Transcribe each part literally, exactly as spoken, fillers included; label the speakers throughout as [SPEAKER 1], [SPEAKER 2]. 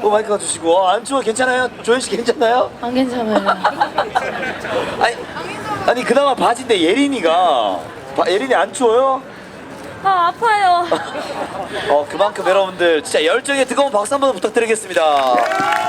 [SPEAKER 1] 어, 마이크 가주시고. 어, 안 추워? 괜찮아요? 조현 씨 괜찮아요?
[SPEAKER 2] 안 괜찮아요.
[SPEAKER 1] 아니, 아니 그나마 바지인데 예린이가 바, 예린이 안 추워요?
[SPEAKER 2] 아, 아파요.
[SPEAKER 1] 어 그만큼 여러분들 진짜 열정에 뜨거운 박수 한번 부탁드리겠습니다. 와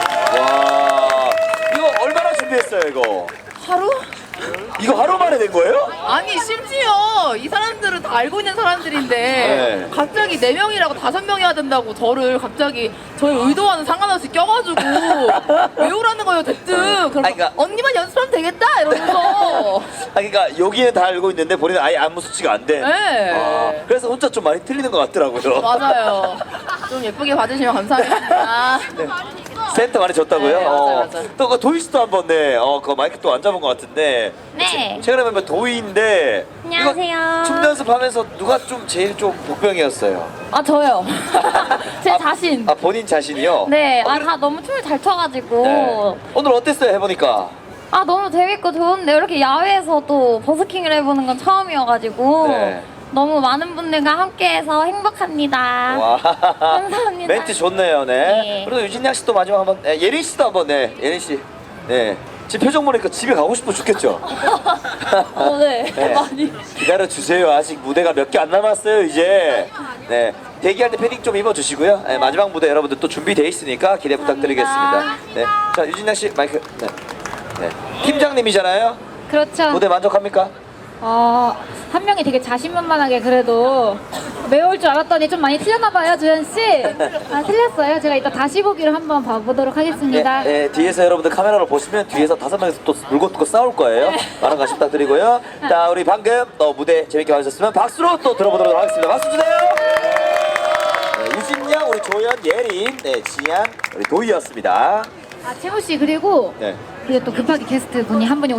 [SPEAKER 1] 이거 얼마나 준비했어요 이거?
[SPEAKER 2] 하루?
[SPEAKER 1] 이거 하루 만에 된 거예요?
[SPEAKER 2] 아니, 심지어 이 사람들은 다 알고 있는 사람들인데
[SPEAKER 1] 네.
[SPEAKER 2] 갑자기 네 명이라고 다섯 명이 해야 된다고 저를 갑자기 저희 의도와는 상관없이 껴가지고 외우라는 거예요, 대뜸. 그래서
[SPEAKER 1] 아니, 그러니까-
[SPEAKER 2] 언니만 연습하면 되겠다 이러면서.
[SPEAKER 1] 아 그러니까 여기는 다 알고 있는데 본인은 아예 안무 수치가 안 돼.
[SPEAKER 2] 네.
[SPEAKER 1] 아, 그래서 혼자 좀 많이 틀리는 것 같더라고요.
[SPEAKER 2] 맞아요. 좀 예쁘게 봐주시면 감사하겠습니다.
[SPEAKER 1] 네. 센터 많이 줬다고요?
[SPEAKER 2] 네, 맞아요,
[SPEAKER 1] 어,
[SPEAKER 2] 맞아요.
[SPEAKER 1] 또 그 도희 씨도 한번 네, 어, 그 마이크 또 안 잡은 것 같은데.
[SPEAKER 3] 네.
[SPEAKER 1] 최근에 보면 도희인데.
[SPEAKER 3] 안녕하세요.
[SPEAKER 1] 이거 춤 연습하면서 누가 좀 제일 좀 복병이었어요?
[SPEAKER 3] 아 저요. 제
[SPEAKER 1] 아,
[SPEAKER 3] 자신.
[SPEAKER 1] 아 본인 자신이요?
[SPEAKER 3] 네.
[SPEAKER 1] 어,
[SPEAKER 3] 아
[SPEAKER 1] 그래-
[SPEAKER 3] 다 너무 춤을 잘 춰가지고.
[SPEAKER 1] 네. 오늘 어땠어요 해보니까?
[SPEAKER 3] 아 너무 재밌고 좋은데 이렇게 야외에서 또 버스킹을 해보는 건 처음이어가지고
[SPEAKER 1] 네.
[SPEAKER 3] 너무 많은 분들과 함께해서 행복합니다.
[SPEAKER 1] 와.
[SPEAKER 3] 감사합니다.
[SPEAKER 1] 멘트 좋네요, 네.
[SPEAKER 3] 네.
[SPEAKER 1] 그리고 유진양 씨도 마지막 한번, 네, 예린 씨도 한번, 네, 예린 씨, 네. 지금 표정 보니까 집에 가고 싶어 죽겠죠?
[SPEAKER 3] 어, 네.
[SPEAKER 1] 네.
[SPEAKER 3] 많이.
[SPEAKER 1] 기다려 주세요. 아직 무대가 몇 개 안 남았어요, 이제. 네. 대기할 때 패딩 좀 입어주시고요. 네, 마지막 무대 여러분들 또 준비되어 있으니까 기대 부탁드리겠습니다. 네. 자, 유진양 씨 마이크. 네. 네. 팀장님이잖아요.
[SPEAKER 3] 그렇죠.
[SPEAKER 1] 무대 만족합니까?
[SPEAKER 3] 어, 한 명이 되게 자신만만하게 그래도 외울 줄 알았더니 좀 많이 틀렸나봐요, 주현씨. 아, 틀렸어요. 제가 이따 다시 보기를 한번 봐보도록 하겠습니다.
[SPEAKER 1] 네, 네, 뒤에서 여러분들 카메라로 보시면 뒤에서 다섯 명이서 또 물고 뜯고 싸울 거예요. 많은 관심 부탁드리고요. 자, 우리 방금 또 무대 재밌게 봐주셨으면 박수로 또 들어보도록 하겠습니다. 박수 주세요. 네, 유진양, 우리 조연, 예린, 네, 지양, 우리 도희였습니다.
[SPEAKER 3] 아, 채무씨, 그리고
[SPEAKER 1] 네.
[SPEAKER 3] 그리고 또 급하게 게스트 분이 한 분이